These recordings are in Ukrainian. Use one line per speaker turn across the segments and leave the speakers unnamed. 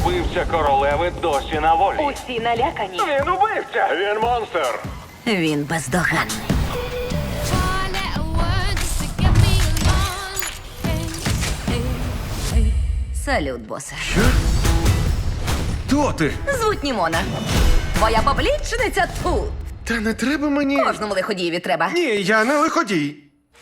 Убивця королеви досі на волі.
Усі налякані.
Він убивця! Він монстр!
Він бездоганний. Салют, босе.
Хто ти?
Звуть Німона. Твоя поплічниця тут.
Та не треба мені.
Кожному лиходієві треба.
Ні, я не лиходій.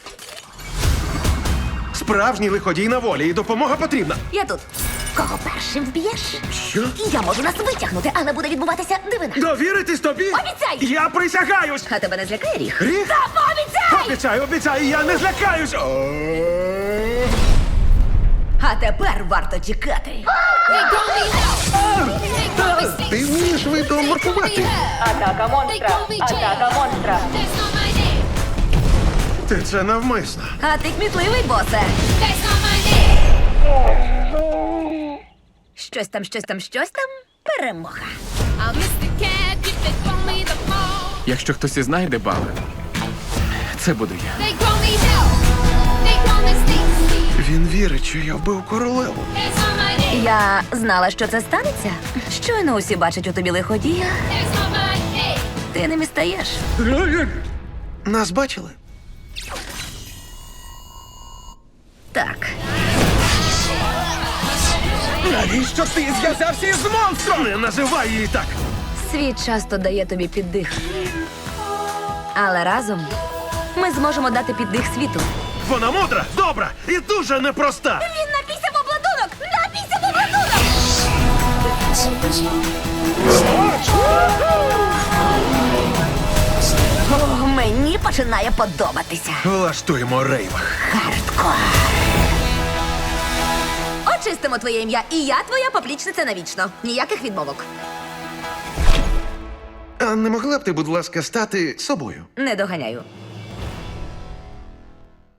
Справжній лиходій на волі, і допомога потрібна.
Я тут. Кого першим вб'єш?
Що?
Я можу нас витягнути, але буде відбуватися дивина.
Довіритись тобі?
Обіцяй!
Я присягаюсь!
А тебе не злякає ріг?
Ріг?
Та пообіцяй!
Обіцяю, обіцяю, я не злякаюсь!
А тепер варто тікати.
Ти вмієш видом маркувати.
Атака монстра! Атака монстра!
Ти це навмисно.
А ти кмітливий, босе. Щось там. Перемога.
Якщо хтось і знайде бали, це буду я.
Він вірить, що я вбив королеву.
Я знала, що це станеться. Щойно усі бачать у тобі лиходія. Ти ним і стаєш.
Нас бачили?
Так.
Навіщо ти зв'язався із монстром? Не називай її так!
Світ часто дає тобі піддих. Але разом ми зможемо дати піддих світу.
Вона мудра, добра і дуже непроста.
Він напісяв обладунок! Напісяв обладунок! О, мені починає подобатися.
Влаштуємо рейв.
Хардкор. Очистимо твоє ім'я, і я твоя поплічниця навічно. Ніяких відмовок.
А не могла б ти, будь ласка, стати собою?
Не доганяю.